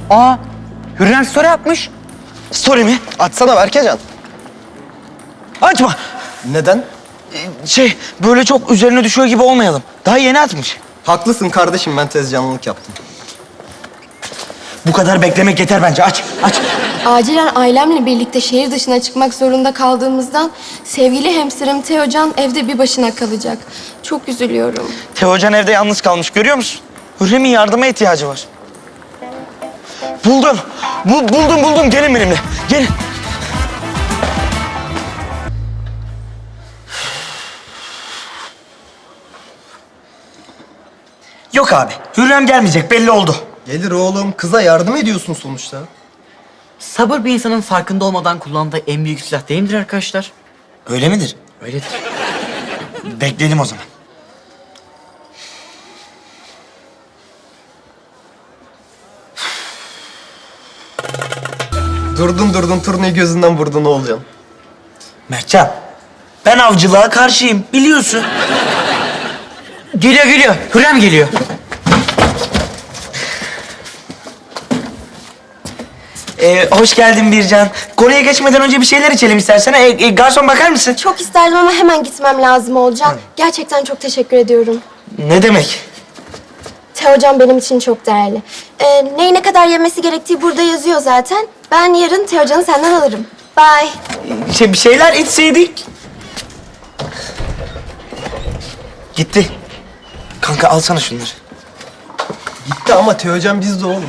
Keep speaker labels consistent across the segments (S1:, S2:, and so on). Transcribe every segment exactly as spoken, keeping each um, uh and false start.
S1: Aa, Hürrem story atmış.
S2: Story mi?
S3: Atsana Berkecan.
S2: Açma.
S3: Neden?
S2: Ee, Şey, böyle çok üzerine düşüyor gibi olmayalım. Daha yeni atmış.
S3: Haklısın kardeşim, ben tez canlılık yaptım.
S2: Bu kadar beklemek yeter bence. Aç, aç.
S4: Acilen ailemle birlikte şehir dışına çıkmak zorunda kaldığımızdan sevgili hamsterım Teocan evde bir başına kalacak. Çok üzülüyorum.
S2: Teocan evde yalnız kalmış, görüyor musun? Hürrem'in yardıma ihtiyacı var. Buldum. Bu, buldum, buldum. Gelin benimle. Gelin. Yok abi. Hürrem gelmeyecek. Belli oldu.
S3: Gelir oğlum, kıza yardım ediyorsun sonuçta.
S1: Sabır bir insanın farkında olmadan kullandığı en büyük silah değil midir arkadaşlar?
S2: Öyle midir?
S1: Öyledir.
S2: Bekleyelim o zaman.
S3: Durdun durdun turnayı gözünden vurdun Oğulcan.
S2: Mertcan, ben avcılığa karşıyım. Biliyorsun.
S1: Geliyor geliyor. Hürrem geliyor.
S2: Ee, hoş geldin Bircan. Konuya geçmeden önce bir şeyler içelim istersen. Ee, e, garson bakar mısın?
S4: Çok isterdim ama hemen gitmem lazım olacak. Gerçekten çok teşekkür ediyorum.
S2: Ne demek?
S4: Teocan benim için çok değerli. Ee, neyi ne kadar yemesi gerektiği burada yazıyor zaten. Ben yarın Teocan'ı senden alırım. Bye.
S2: Şey, bir şeyler içseydik. Gitti. Kanka alsana şunları.
S3: Gitti ama Teocan bizde oğlum.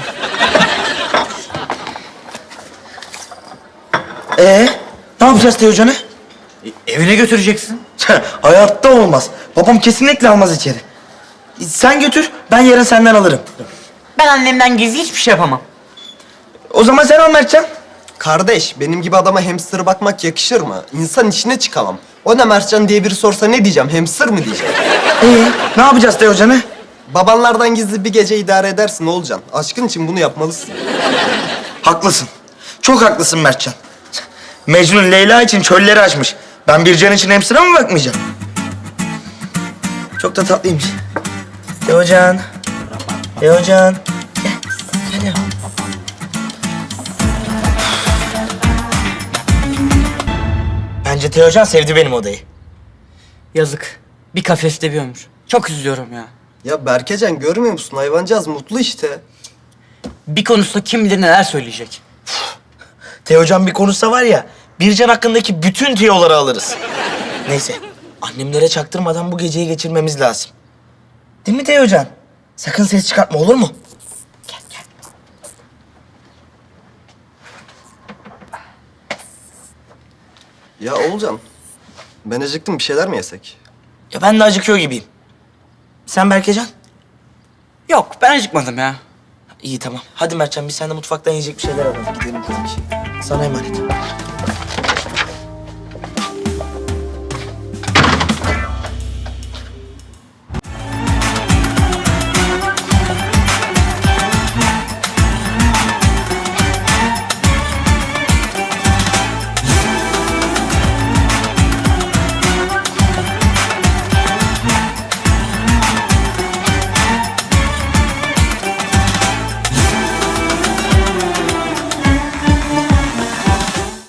S2: Ee, ne yapacağız Teocan'ı?
S1: E, evine götüreceksin.
S2: Hayatta olmaz. Babam kesinlikle almaz içeri. Sen götür, ben yarın senden alırım.
S1: Ben annemden gizli hiçbir şey yapamam.
S2: O zaman sen al Mertcan.
S3: Kardeş, benim gibi adama hamster'a bakmak yakışır mı? İnsan içine çıkamam. O ne Mertcan diye biri sorsa ne diyeceğim? Hamster mı diyeceğim?
S2: Ee, ne yapacağız Teocan'ı?
S3: Babanlardan gizli bir gece idare edersin Oğulcan. Aşkın için bunu yapmalısın.
S2: Haklısın. Çok haklısın Mertcan. Mecnun Leyla için çölleri açmış. Ben Bircan için hamster'a mı bakmayacağım? Çok da tatlıymış. Teocan. Teocan. Gel. Gel ya. Bence Teocan sevdi benim odayı.
S1: Yazık. Bir kafeste bir ömür. Çok üzülüyorum ya.
S3: Ya Berkecan görmüyor musun? Hayvancağız mutlu işte.
S1: Bir konusunda kim bilir neler söyleyecek.
S2: Teocan bir konuşsa var ya, Bircan hakkındaki bütün tiyoları alırız. Neyse, annemlere çaktırmadan bu geceyi geçirmemiz lazım. Değil mi Teocan? Sakın ses çıkartma, olur mu? Gel, gel.
S3: Ya Oğulcan, ben acıktım, bir şeyler mi yesek?
S2: Ya ben de acıkıyor gibiyim. Sen Berkecan?
S1: Yok ben acıkmadım ya.
S2: İyi tamam. Hadi Mertcan, biz seninle mutfaktan yiyecek bir şeyler alalım. Gidelim tabii ki. Sana emanet.